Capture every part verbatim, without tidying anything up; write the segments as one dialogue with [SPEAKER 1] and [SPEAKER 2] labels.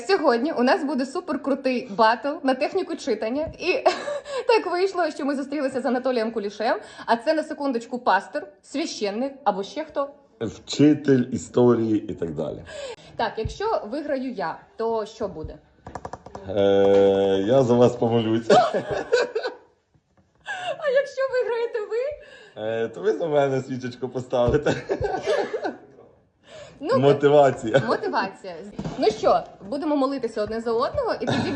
[SPEAKER 1] сьогодні у нас буде суперкрутий батл на техніку читання. І так вийшло, що ми зустрілися з Анатолієм Кулішем, а це на секундочку пастор, священник або ще хто?
[SPEAKER 2] Вчитель історії і так далі.
[SPEAKER 1] Так, якщо виграю я, то що буде?
[SPEAKER 2] Е, я за вас помолюся.
[SPEAKER 1] А якщо виграєте ви?
[SPEAKER 2] Е, то ви за мене свічечку поставите.
[SPEAKER 1] Ну,
[SPEAKER 2] Мотивація.
[SPEAKER 1] Мотивація. Ну що, будемо молитися одне за одного і тоді...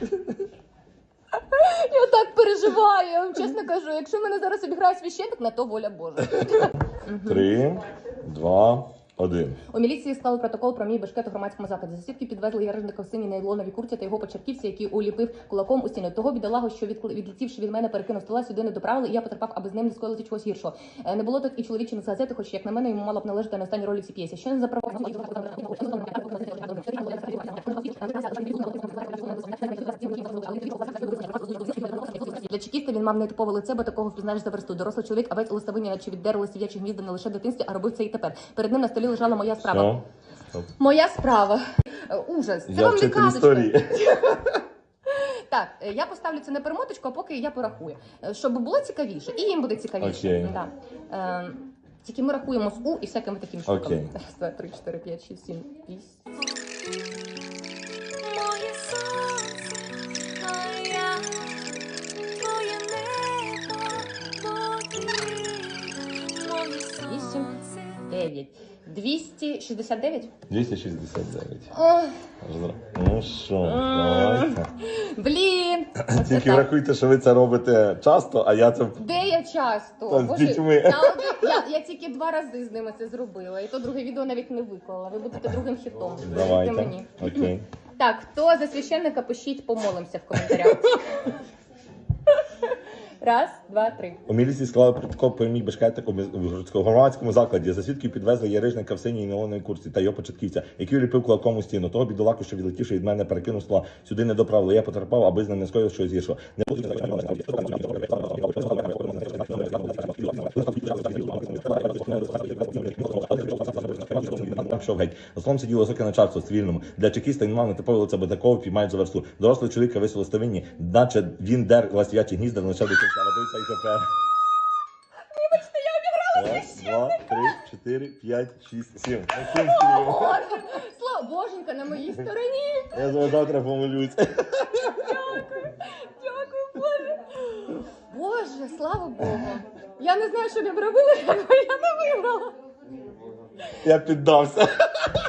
[SPEAKER 1] Я так переживаю, я вам чесно кажу. Якщо мене зараз обіграє священник, на то воля Божа.
[SPEAKER 2] Три, два, один.
[SPEAKER 1] У міліції склали протокол про мій бешкет у громадському закладі. За свідки підвезли ярижника в синій нейлоновій куртці та його почерківці, який уліпив кулаком у стіну. Того бідолагу, що відкли- відлетівши від мене, перекинув стола, сюди не доправили, і я потерпав, аби з ним не скоїлося чогось гіршого. Е, Не було тут і чоловічини з газети, хоч, як на мене, йому мало б належати на останній ролі в цій п'єсі. Що не за право? Для чекіста він мав нетипове лице, бо такого впізнаєш за версту. Дорослий чоловік, авець у листовині, наче віддерли сидячі гнізда не лише в дитинстві, а робив це і тепер. Перед ним на столі лежала моя справа.
[SPEAKER 2] Все.
[SPEAKER 1] Моя справа. Е, Ужас. Це
[SPEAKER 2] Я
[SPEAKER 1] вам не
[SPEAKER 2] вчитель
[SPEAKER 1] казочка.
[SPEAKER 2] історії.
[SPEAKER 1] Так, е, я поставлю це на перемоточку, а поки я порахую. Е, Щоб було цікавіше. І їм буде цікавіше.
[SPEAKER 2] Окей.
[SPEAKER 1] Да. Е, Тільки ми рахуємо з У і всякими такими штуками.
[SPEAKER 2] Окей.
[SPEAKER 1] Раз, два, три, чотири, п'ять, шість, сім, вісім.
[SPEAKER 3] Моє сонце, а я твоє небо, моє
[SPEAKER 1] Вісім,
[SPEAKER 3] сонце.
[SPEAKER 1] дев'ять. двісті шістдесят дев'ять?
[SPEAKER 2] двісті шістдесят дев'ять.
[SPEAKER 1] Ох,
[SPEAKER 2] Ну що, давайте.
[SPEAKER 1] блін! Оце
[SPEAKER 2] Тільки
[SPEAKER 1] так.
[SPEAKER 2] врахуйте, що ви це робите часто, а я це...
[SPEAKER 1] Де я часто?
[SPEAKER 2] Та з
[SPEAKER 1] Боже,
[SPEAKER 2] дітьми.
[SPEAKER 1] я, один- я, я тільки два рази з ними це зробила. І то друге відео навіть не виклала. Ви будете другим хітом. Повірте
[SPEAKER 2] Давайте.
[SPEAKER 1] мені.
[SPEAKER 2] Окей.
[SPEAKER 1] Так, хто за священника, пишіть, помолимося в коментарях. Раз, два, три.
[SPEAKER 2] У міліції склали протокол про мій бешкетик у громадському закладі. За свідків підвезли ярижника в синій нейлоновій куртці та його початківця, який уліпив кулаком у стіну. Того бідолаку, що відлетівши від мене, перекинув стола, сюди не доправили. Я потерпав, аби з ним не скоїв щось гіршого. Не буду... Пішов геть. За столом сиділо високе начальство в цивільному. Для чекіста він мав нетипове лице, бо такого піймають за версту. Дорослий чоловік висіло в ставині, наче він дер ластів'ячі гнізда, не лише до кінця. Робився і тепер.
[SPEAKER 1] Вибачте, я обіграла.
[SPEAKER 2] Раз, два, три, чотири, п'ять, шість, сім.
[SPEAKER 1] Боже, слава Боженька на моїй стороні.
[SPEAKER 2] Я за вас завтра помолюсь.
[SPEAKER 1] Дякую, дякую, Боже. Боже, слава Богу. Я не знаю, що б я б робила, якби я не виграла.
[SPEAKER 2] Я піддався.